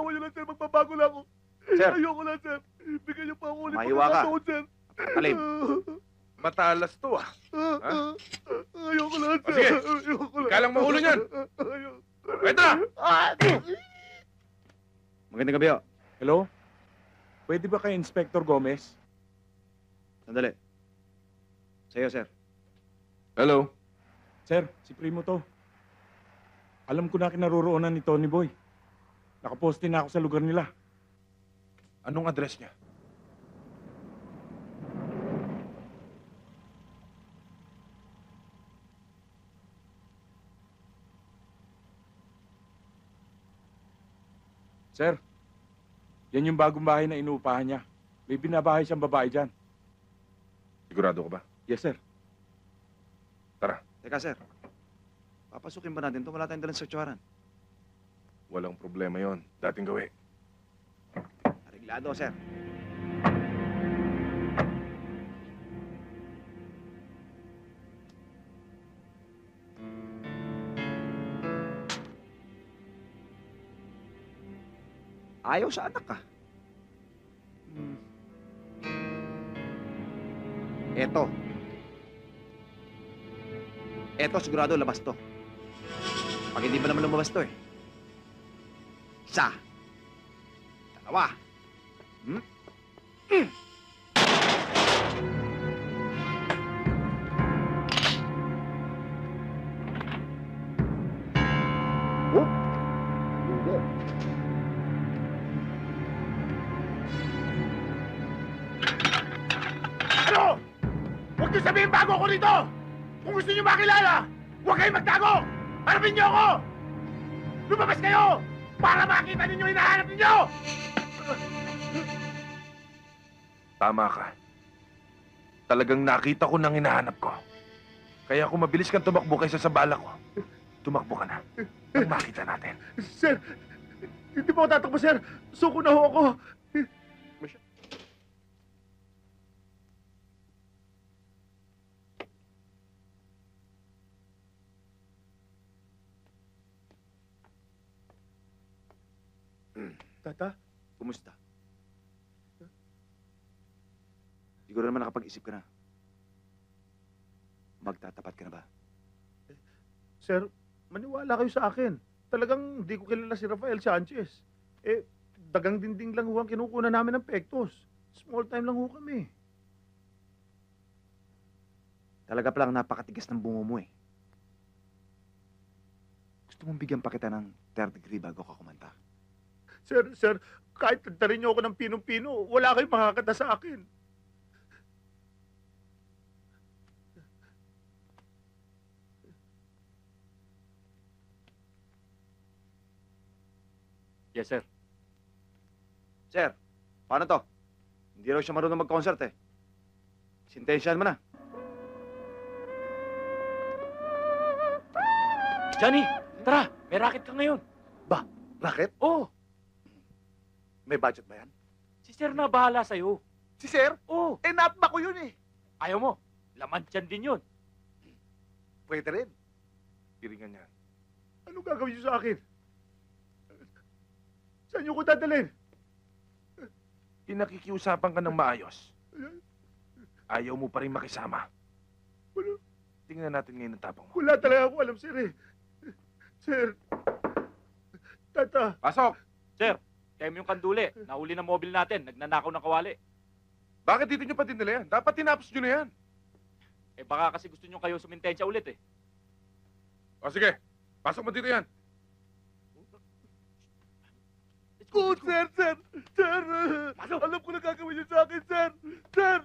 Awa niyo lang, sir. Magbabago lang ako. Sir. Ayoko lang, sir. Bigyan niyo pa ako ulit Mahiwa ka. pagkakataon, sir. Talim. Matalas to ah. Ha? Ayoko lang, O, sir. sige. Ayoko lang. Ikaw lang maulo niyan. Ayoko. Ito na! Magandang gabi, oh. Hello? Pwede ba kay Inspector Gomez? Sandali. Sa'yo, sir. Hello? Sir, si Primo to. Alam ko na kinaroroonan ni Tony Boy. Nakaposte na ako sa lugar nila. Anong address niya? Sir, yan yung bagong bahay na inuupahan niya. May binabahay siyang babae dyan. Sigurado ka ba? Yes, sir. Teka, sir. Papasukin ba natin to? Wala tayong dalang searchuaran. Walang problema yon. Dating gawi. Areglado, sir. Ayaw sa anak ka. Eto. Eto, sigurado labas to. Pag hindi pa naman lumabas to eh. Isa. Dalawa. Oh. Hindi. Ano? Huwag niyo sabihin bago ako rito! Kung gusto niyo makilala, huwag kayong magtago! Harapin niyo ako! Lumabas kayo! Para makita ninyo yung hinahanap ninyo! Tama ka. Talagang nakita ko nang hinahanap ko. Kaya kung mabilis kang tumakbo kaysa sa bala ko, tumakbo ka na. Nang makita natin. Sir, hindi po ako tatakbo, sir. Suko na ho ako. Tata? Kumusta? Siguro naman nakapag-isip ka na. Magtatapat ka na ba? Sir, maniwala kayo sa akin. Talagang hindi ko kilala si Rafael Sanchez. Eh, dagang dinding lang ho ang kinukuna namin ng pektos. Small time lang ho kami. Talaga palang napakatigas ng bungo mo eh. Gusto mong bigyan pa kita ng third degree bago ka kumanta? Sir, kahit tagtarin niyo ako ng pinong-pino, wala kayong makakata sa akin. Yes, sir. Sir, paano to? Hindi raw siya marunong mag-concert eh. Sintensyahan mo na. Johnny, tara! May racket ka ngayon. Racket? Oh, May budget ba yan? si sir na bahala sa'yo. Si Sir? Oh, Eh, natba ko yun eh. ayaw mo. Laman dyan din yun. Pwede rin. Piringan niya. Ano gagawin niyo sa akin? Saan niyo ko dadalhin? Pinakikiusapan ka ng maayos. Ayaw mo pa rin makisama. Wala. Tingnan natin ngayon ang tapang mo. Wala talaga ako alam, sir eh. Sir. Tata. Pasok! Sir, kayo yung kanduli. Nahuli ng mobile natin. Nagnanakaw ng kawali. Bakit dito nyo pa dinala yan? Dapat tinapos nyo na yan. Eh baka kasi gusto nyo kayo sumintensya ulit eh. O sige, pasok mo dito yan. Oh, sir! Sir! Alam ko na gagawin niyo sa akin, sir! Sir!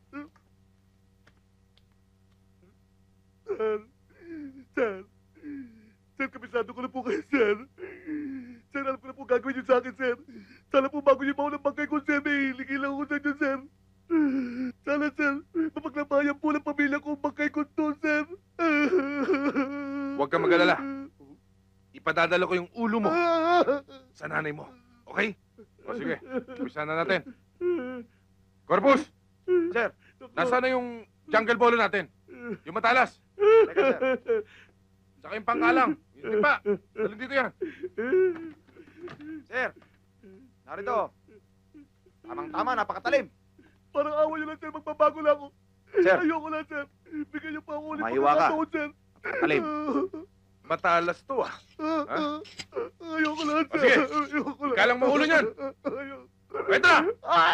Sir! Sir, kabisado ko na po kayo, sir! Sir, alam ko na po gagawin niyo sa akin, sir! Sana po bago niyo maunang bangkay ko, sir, may hilingin lang ako sa inyo, sir! Sana, sir, mapaglabayan po ng pamilya ko ang bangkay ko to, sir! Huwag kang mag-alala. Ipadadala ko yung ulo mo sa nanay mo. Okay? O sige, umpisa na natin. Corpus! Sir, Nasaan na yung jungle bolo natin? Yung matalas. teka sir. Saka yung pangkalang. Yung tipa. Dalhin dito yan. Sir, Narito. Tamang-tama, napakatalim. Parang awa nyo lang, sir. Magbabago lang ako. Sir. Ayoko lang, sir. Bigyan niyo pa ako ulit Mahiwa ka. pagkakataon, sir. Napakatalim. Matalas to ah. Ayoko lang, O, sir. sige. Ayoko lang. Ikalang maulo niyan. Ayoko. Pwede na!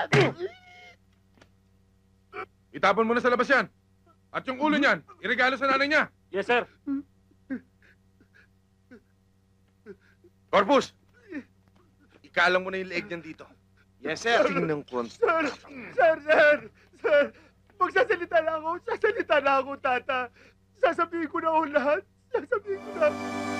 Itapon mo na sa labas yan. At yung ulo niyan, iregalo sa nanay niya. Yes, sir. Corpus! Ikalang mo na yung leeg niyan dito. Yes, sir. Tingnan ko. Sir. Magsasalita na ako. Sasabihin ko na ako lahat. Sasabihin ko na.